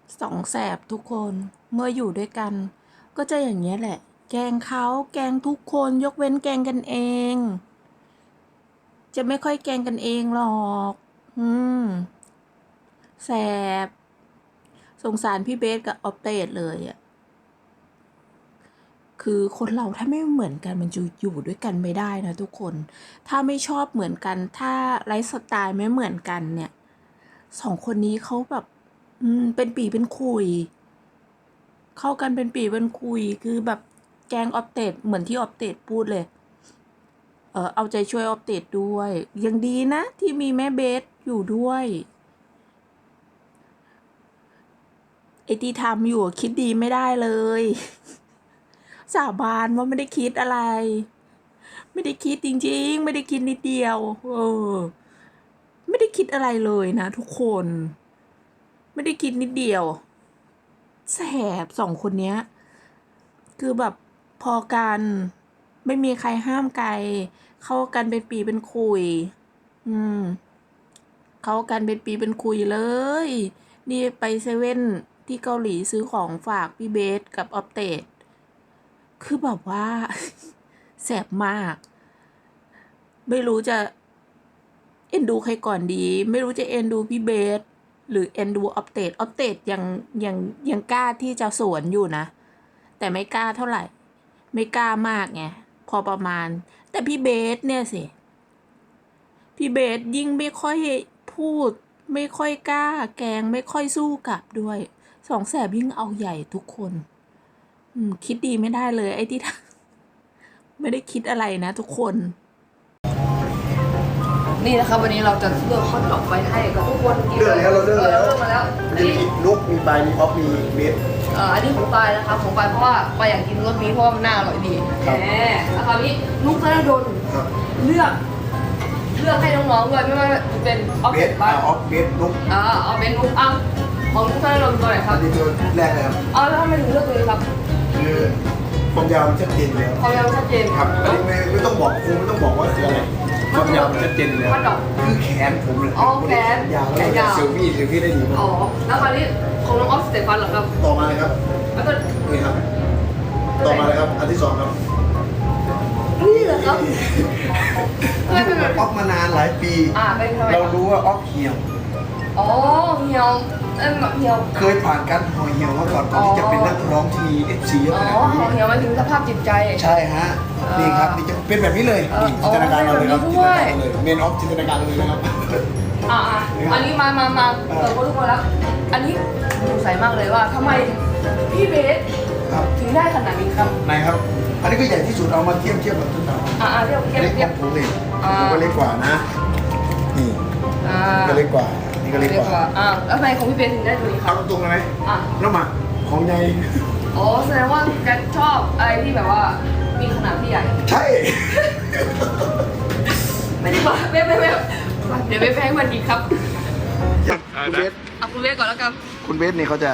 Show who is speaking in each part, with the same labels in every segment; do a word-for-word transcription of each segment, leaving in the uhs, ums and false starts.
Speaker 1: สองแสบทุกคนเมื่ออยู่ด้วยกันก็จะอย่างเงี้ยแหละแกล้งเขาแกล้งทุกคนยกเว้นแกล้งกันเองจะไม่ค่อยแกล้งกันเองหรอกอืมแสบสงสารพี่เบสกับออฟเตดเลยอ่ะคือคนเราถ้าไม่เหมือนกันมันจะอยู่ด้วยกันไม่ได้นะทุกคนถ้าไม่ชอบเหมือนกันถ้าไลฟ์สไตล์ไม่เหมือนกันเนี่ยสองคนนี้เขาแบบอืมเป็นปีเป็นคุยเข้ากันเป็นปีเป็นคุยคือแบบแกล้งออฟเตดเหมือนที่ออฟเตดพูดเลยเออเอาใจช่วยออฟเตดด้วยยังดีนะที่มีแม่เบสอยู่ด้วยไอที่ทำอยู่คิดดีไม่ได้เลยสาบานว่าไม่ได้คิดอะไรไม่ได้คิดจริงๆไม่ได้คิดนิดเดียวเออไม่ได้คิดอะไรเลยนะทุกคนไม่ได้คิดนิดเดียวแสบสองคนเนี้ยคือแบบพอกันไม่มีใครห้ามไกลเข้ากันเป็นปีเป็นคุยอืมเข้ากันเป็นปีเป็นคุยเลยนี่ไปเซเว่นที่เกาหลีซื้อของฝากพี่เบสกับออฟเตดคือแบบว่า แสบมากไม่รู้จะเอ็นดูใครก่อนดีไม่รู้จะเอ็นดูพี่เบสหรือเอ็นดูออฟเตดออฟเตดยังยังยังกล้าที่จะสวนอยู่นะแต่ไม่กล้าเท่าไหร่ไม่กล้ามากไงพอประมาณแต่พี่เบสเนี่ยสิพี่เบสยิ่งไม่ค่อยพูดไม่ค่อยกล้าแกงไม่ค่อยสู้กลับด้วยสองแสบยิ่งเอาใหญ่ทุกคนอืมคิดดีไม่ได้เลยไอ้ที่ไม่ได้คิดอะไรนะทุกคน
Speaker 2: นี่นะครับวันนี้เราจะเลือกข้อตอบไว้ให้กับทุกคนกิน
Speaker 3: เลือกแล้วเราเลือกแล้ว
Speaker 2: เลือกมาแล้วอัน
Speaker 3: มี
Speaker 2: นี้
Speaker 3: นุกมีปลายมีออฟมีเบส
Speaker 2: เอ่ออันนี้ของปลายนะครับของปลายเพราะว่าปลายอยากกินรสนี้เพราะว่ามันน่าอร่อยดี
Speaker 3: ครับ
Speaker 2: แหมแล้วคราวนี้นุ๊กธนดล
Speaker 3: ครับ
Speaker 2: เลือกเลือกให้น้องๆด้วยไม่ว่าจะเป็นออฟ
Speaker 3: เบ
Speaker 2: เซ็
Speaker 3: ส
Speaker 2: ต
Speaker 3: อ่า
Speaker 2: บ้าง
Speaker 3: ออฟเบสนุก
Speaker 2: อ่าเอาเป็นนุ๊กอ่ะของนุ๊กธนดลตัวไหนค
Speaker 3: อั
Speaker 2: รับ
Speaker 3: นนี้ตัวแรกเลยครับ
Speaker 2: เอาแล้วทำไมถึงเลือกตัวนี้ครับ
Speaker 3: คือความยาวมันชัดเจนเลยครับ
Speaker 2: ความยาวชัดเจน
Speaker 3: ครับอันนี้ไม่ไม่ต้องบอกครูไม่ต้องบอกว่าคืออะไรความยาวมันชัดเจนเลย
Speaker 2: มันดอก
Speaker 3: คือแขนผมเลย
Speaker 2: อ๋อแขน
Speaker 3: ยาว
Speaker 2: แข
Speaker 3: แล้ว
Speaker 2: นยาว
Speaker 3: เซลฟี่เซลฟี่ได้ดีมาก
Speaker 2: อ๋อแล้วคราวนี้ของน้องออฟสเตฟันเหรอครับ
Speaker 3: ต่อมาเลยครับ
Speaker 2: แล้วก็
Speaker 3: นี่ครับ ต่อมาเลยครับอันที่สองครับ
Speaker 2: นี่เหรอครับ
Speaker 3: อยู่กับออฟมานานหลายปี
Speaker 2: อ่าเป็นทำไม
Speaker 3: เรารู้ว่าออฟเหี่ยว
Speaker 2: อ๋อเหี่ยวเอ้ยเหี่ยว
Speaker 3: เคยผ่านการห่อเหี่ยวมาก่อนก่อนที่จะเป็นนักร้องที่มีเอฟซีเยอะ
Speaker 2: อ๋
Speaker 3: ข
Speaker 2: อ
Speaker 3: นาดนี้
Speaker 2: เหี่ยวหมายถึงสภาพจิตใจ
Speaker 3: ใช่ฮะ นี่ครับนี่จะเป็นแบบนี้เลย
Speaker 2: เออ
Speaker 3: นี่จินตนาการเราเลยครับ
Speaker 2: อ๋
Speaker 3: จิ
Speaker 2: อน
Speaker 3: ต
Speaker 2: เป็
Speaker 3: นาน
Speaker 2: แบบนี้
Speaker 3: การ
Speaker 2: ด้วย
Speaker 3: เลยเมนออฟจินตนาการเลยนะครับ
Speaker 2: อ่าอ่ะอันนี้มามามาเปิดคนทุกคนแล้ว อันนี้สงสัยมากเลยว่าทำไมพี่เบส
Speaker 3: ครับ
Speaker 2: ถึงได้ขนาดนี้ครับ
Speaker 3: ไหนครับ อันนี้ก็ใหญ่ที่สุดเอามาเทียบเทียบกับต้นตาล
Speaker 2: อ่าอ่าเทียบเทียบ
Speaker 3: เล็ก
Speaker 2: เที
Speaker 3: ก
Speaker 2: ยบ
Speaker 3: ว่าผมเลย
Speaker 2: อ่า
Speaker 3: ผมก็เล็กกว่านะ นี่
Speaker 2: อ่า
Speaker 3: ก็เล็กกว่า นี่ก็เล็กกว่า
Speaker 2: อ่าแล้วทำไมของพี่เบสถึงได้ตัวนี้ค
Speaker 3: เอา
Speaker 2: รับ
Speaker 3: ตรงๆเลยไหม
Speaker 2: อ่ะ
Speaker 3: น้ำหมักของใหญ่
Speaker 2: อ๋อแสดงว่าแกชอบอะไรที่แบบว่ามีขนาดที่ใหญ่
Speaker 3: ใช่
Speaker 2: ไม่ได้บอกไม่ไม่ไม่เดี๋ยวไปแพงมันอีกครับ
Speaker 3: คุณเบส
Speaker 2: เอาคุณเบสก่อนแล้วกัน
Speaker 3: คุณเบสนี่เขาจะ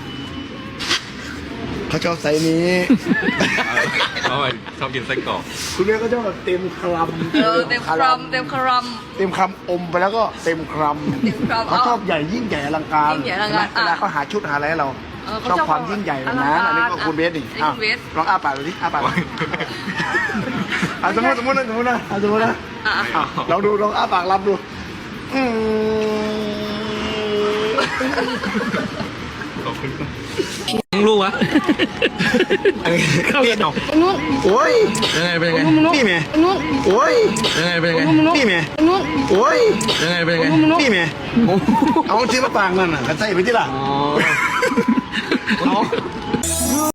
Speaker 3: เขาชอบไซส์นี้
Speaker 4: เขาชอบกินไส้กรอก
Speaker 3: คุณเบสก็ชอบแบบเต็มคำ
Speaker 2: เออเต็มครัมเต็มครัม
Speaker 3: เต็มคำอมไปแล้วก็เต็มครัม
Speaker 2: เต็มคำ
Speaker 3: เขาชอบใหญ่ยิ่งใหญ่อลังการ
Speaker 2: ยิ่งใหญ่อลังการ
Speaker 3: เวลาเขาหาชุดหาอะไรให้เรา
Speaker 2: เออเขา
Speaker 3: ชอบ
Speaker 2: ชอบ
Speaker 3: ความยิ่งใหญ่แบบนั้น
Speaker 2: อลังการ
Speaker 3: อันนี้ก็คุณเบสนี่
Speaker 2: อันนี้
Speaker 3: อ้าว
Speaker 2: คุณเบส
Speaker 3: ลองอ้าปากดูดิอ้าปากอ่ะสมมติสมมตินะสมมตินะอ่ะสมมตินะ
Speaker 2: อ่ะ
Speaker 3: อ่ะลองดูลองอ้าปากรับดูอืม
Speaker 4: ขอบคุณลูกวะ
Speaker 3: อันนี้
Speaker 4: เข้ากันหรอ
Speaker 2: นู้น
Speaker 3: โอ้ย
Speaker 4: ยังไงเป็นยังไง
Speaker 3: นี่แม่
Speaker 2: นู้น
Speaker 3: โอ้ย
Speaker 4: ยังไงเป็นยังไง
Speaker 3: นี่แม่
Speaker 2: นู้น
Speaker 3: โอ้ย
Speaker 4: ยังไงเป็นยังไง
Speaker 3: นี่แม่เอาที่มาปากนั่นน่ะกระใส่ไปที่หลัง
Speaker 4: อ๋อ